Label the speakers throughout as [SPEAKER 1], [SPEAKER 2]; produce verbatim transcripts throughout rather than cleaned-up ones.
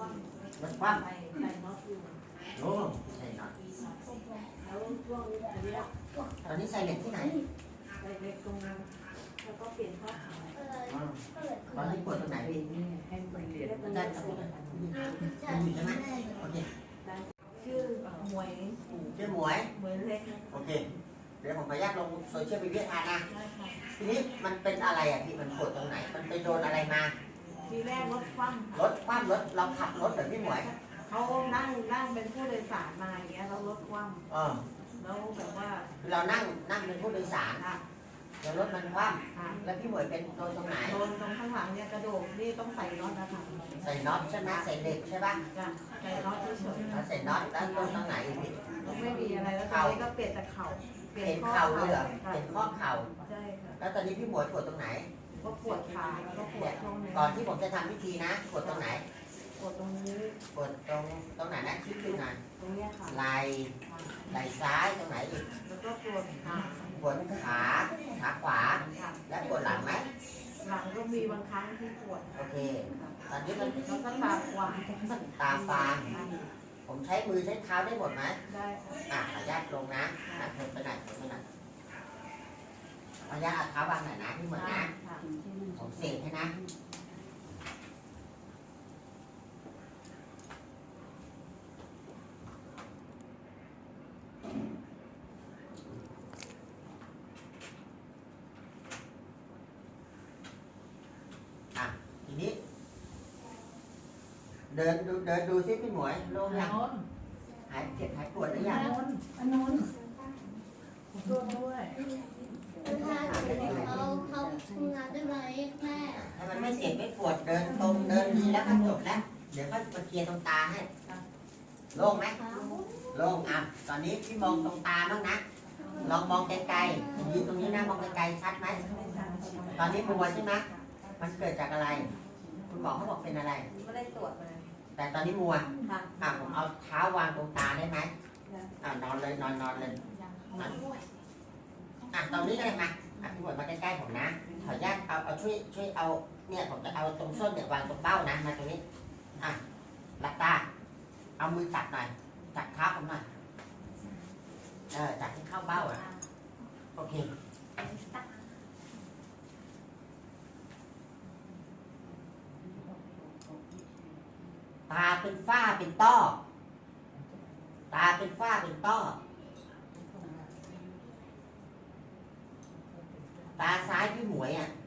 [SPEAKER 1] รถคว่ำ
[SPEAKER 2] ใส่ใส่น็อตอยู่
[SPEAKER 1] โอ้ใส่น็อต
[SPEAKER 2] แล้วช่วงนี้อันเนี้ย
[SPEAKER 1] ตอนนี้ใส่เหล็กที่ไหน
[SPEAKER 2] ใส่เล็กตรงนั้นแล้วก็เปลี่ยนข้อขา
[SPEAKER 1] อ๋อตอนนี้ปวดตรงไหนพี่
[SPEAKER 2] ให้มันเรียน
[SPEAKER 1] มันได้ตรงไหนมันอยู่ใช่ไหมโอเค
[SPEAKER 2] ชื่อหมวย
[SPEAKER 1] ชื่อหมวย
[SPEAKER 2] หมวยเล็กนะ
[SPEAKER 1] โอเคเดี๋ยวผมขออนุญาตลงโซเชียลมีเดียทานนะ
[SPEAKER 2] ได้ค่ะ
[SPEAKER 1] ทีนี้มันเป็นอะไรอ่ะพี่มันปวดตรงไหนมันไปโดนอะไรมา
[SPEAKER 2] ทีแรกรถคว่ำ
[SPEAKER 1] รถคว่ำรถเราขับรถแบบพี่หมวย
[SPEAKER 2] เขานั่งนั่งเป็นผู้โดยสารมาอย่างเงี้ยแล้วรถคว่
[SPEAKER 1] เออ
[SPEAKER 2] ำแล้วแบบว่า
[SPEAKER 1] คือเรานั่งนั่งเป็นผู้โดยสาร
[SPEAKER 2] ค่ะ
[SPEAKER 1] แล้วรถมันคว่
[SPEAKER 2] ค่ะ
[SPEAKER 1] ำแล้วพี่หมวยเป็นโดนตรงไหน
[SPEAKER 2] โดนตรงข้างหลังเนี่ยกระโดดนี่ต้องใส่น็อตนะคะ
[SPEAKER 1] ใส่น็อตใช่ไหมใส่เหล็กใช่ปะ
[SPEAKER 2] จ้ะใส่น็อตเฉย
[SPEAKER 1] แล้วใส่น็อตแล้วโดนตรงไหนอีกพี่
[SPEAKER 2] ๆแล้วไม่มีอะไรแล้วตอนนี้ก็เปลี่ยนแต่เข่า
[SPEAKER 1] เปลี่ยนเข่าเลยเหรอ
[SPEAKER 2] ค่ะ
[SPEAKER 1] เปลี่ยนข้อเข่า
[SPEAKER 2] ใช่ค่ะ
[SPEAKER 1] แล้วตอนนี้พี่หมวยปวดตรงไหน
[SPEAKER 2] ก็ปวดขาแล้วก็ปวดช่วงนี้
[SPEAKER 1] ก่อนที่ผมจะทำพิธีนะปวดตรงไหน
[SPEAKER 2] ปวดตรงนี้
[SPEAKER 1] ปวดตรงตรงไหนนะชี้ขึ้นหน่อย
[SPEAKER 2] ตรงเนี้ยค่ะ
[SPEAKER 1] ไหล่ไหล่ซ้ายตรงไหนอีก
[SPEAKER 2] แล้วก็ปวดขา
[SPEAKER 1] ปวดขาขาขวา
[SPEAKER 2] ค่ะ
[SPEAKER 1] และปวดหลังไหม
[SPEAKER 2] หลังก็มีบางครั้งที่ปวด
[SPEAKER 1] โอเคตอนนี้มัน
[SPEAKER 2] แล้วก็ตาขวาง
[SPEAKER 1] ตาฟางผมใช้มือใช้เท้าได้หมดไหม
[SPEAKER 2] ได้ค่ะ
[SPEAKER 1] อ่ะขออนุญาตลงนะอ่ะเถิดไปไหนเถิดไปไหนขออนุญาตเอาเท้าวางหน่อยนะพี่หมวยนะ
[SPEAKER 2] ค่ะ
[SPEAKER 1] ผมเสกให้นะอ่ะทีนี้ เดินดูเดินดูซิพี่หมวยโล่งยังหายเจ็บหายปวดหรือยัง
[SPEAKER 2] อันนู้นร่วมด้วย
[SPEAKER 3] เขาเขาทำงานได้ไหมแม่
[SPEAKER 1] ถ้ามันไม่เจ็บไม่ปวดเดินตรงเดินดีแล้วก็จบแล้ว เดี๋ยวก็มาเคลียร์ตรงตาให้โล่งไหมโล่งอ่ะตอนนี้พี่มองตรงตาบ้างนะลองมองไกลๆยืนตรงนี้นะมองไกลๆชัดไหมตอนนี้มัวใช่ไหมมันเกิดจากอะไร คุณหมอเขาบอกเป็นอะไร
[SPEAKER 2] ไม่ได้ตรวจเลย
[SPEAKER 1] แต่ตอนนี้มัว
[SPEAKER 2] ค่ะ
[SPEAKER 1] อ่ะผมเอาเท้าวางตรงตาได้ไหมอ่ะนอนเลยนอนนอนเลยอ่ะตอนนี้ก็ได้มาอ่ะพี่หมวยมาใกล้ๆผมนะขออนุญาตเอาเอาช่วยช่วยเอาเนี่ยผมจะเอาตรงส้นเนี่ยวางตรงเบ้านะมาตรงนี้อ่ะหลับตาเอามือจับหน่อยจับเท้าผมหน่อยเออจับให้เข้าเบ้าอ่ะโอเคตาเป็นฝ้าเป็นต้อตาเป็นฝ้าเป็นต้อตาซ้ายพี่หมวยอ่ะ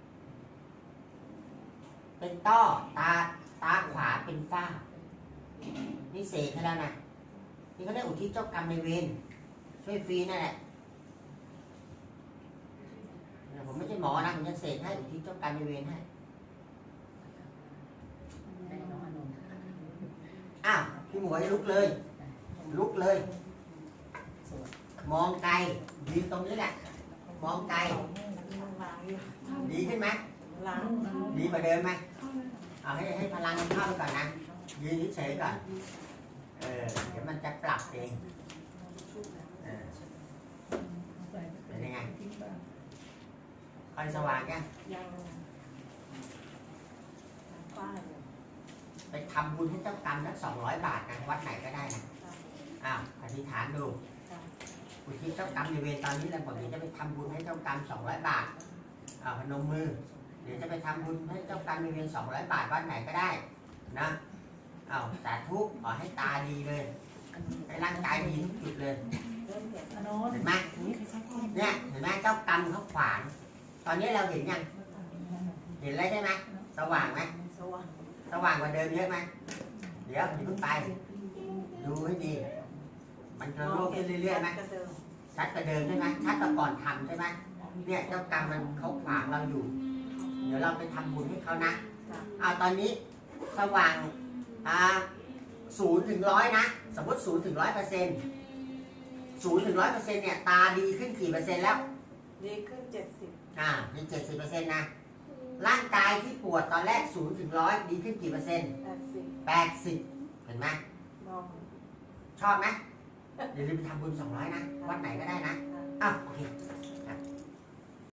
[SPEAKER 1] เป็นต้อตาตาขวาเป็นฝ้านี่เสกให้แล้วนะนี่เขาได้อุทิศเจ้ากรรมในายเวรช่วยฟรีนั่นแหละผมไม่ใช่หมอนะผมจะเสกให้อุทิศเจ้ากรรมในายเวรให้อ้าวพี่หมวยลุกเลย ลุกเลย มองไกลยืนตรงนี้แหละมองไกล
[SPEAKER 2] ล้างอยู่
[SPEAKER 1] ดีขึ้นไหม
[SPEAKER 2] ล้าง
[SPEAKER 1] ดีกว่าเดิมไหมเอาให้ให้พลังมันเข้าไปก่อนนะยืนเฉยๆก่อนเออเดี๋ยวมันจะปรับเองเออเป็นยังไงค่อยสว่างยัง
[SPEAKER 2] ยังป้าอยู่
[SPEAKER 1] ไปทำบุญให้เจ้ากรรมนักสองร้อยบาทนะวัดไหนก็ได้นะอ้าวอธิษฐานดูอุทิศเจ้ากรรมในเวรตอนนี้แล้วผมเดี๋ยวจะไปทำบุญให้เจ้ากรรมสองร้อยบาทอ้าวพนมมือเดี๋ยวจะไปทำบุญให้เจ้ากรรมในเวรสองร้อยบาทวัดไหนก็ได้นะอ้าวสาธุขอให้ตาดีเลยให้ร่างกายดีทุกจุดเลย
[SPEAKER 2] เริ่มเห็นอันโน้น
[SPEAKER 1] เห็นไหมเนี่ยเห็นไหมเจ้ากรรมเขาขวางตอนนี้เราเห็นยังเห็นแล้วใช่ไหมสว่างไหม
[SPEAKER 2] สว่าง
[SPEAKER 1] สว่างกว่าเดิมเยอะไหมเดี๋ยวอย่าเพิ่งไปดูให้ดี มันจะโล่งขึ้นเรื่อยๆไหม
[SPEAKER 2] กระเดิม
[SPEAKER 1] ชัดกว่าเดิมใช่ไหมชัดกว่าก่อนทำใช่ไหมเนี่ยเจ้ากรรมมันเขาขวางเราอยู่ เดี๋ยวเราไปทำบุญให้เขานะเอาตอนนี้สว่างอ่าศูนย์ถึงร้อยนะสมมติศูนย์ถึงร้อยเปอร์เซ็นต์ศูนย์ถึงร้อยเปอร์เซ็นต์เนี่ยตาดีขึ้นกี่เปอร์เซ็นต์แล้ว
[SPEAKER 2] ดีขึ้นเจ็ดสิบ
[SPEAKER 1] อ่ามีเจ็ดสิบเปอร์เซ็นต์นะร่างกายที่ปวดตอนแรกศูนย์ถึงร้อยดีขึ้นกี่เปอร์เซ็นต์
[SPEAKER 2] แปดสิบ
[SPEAKER 1] แปดสิบเห็นไหม
[SPEAKER 2] มอง
[SPEAKER 1] ชอบไหมอย่าลืมไปทำบุญสองร้อยนะวัดไหนก็ได้นะอ้าวโอเค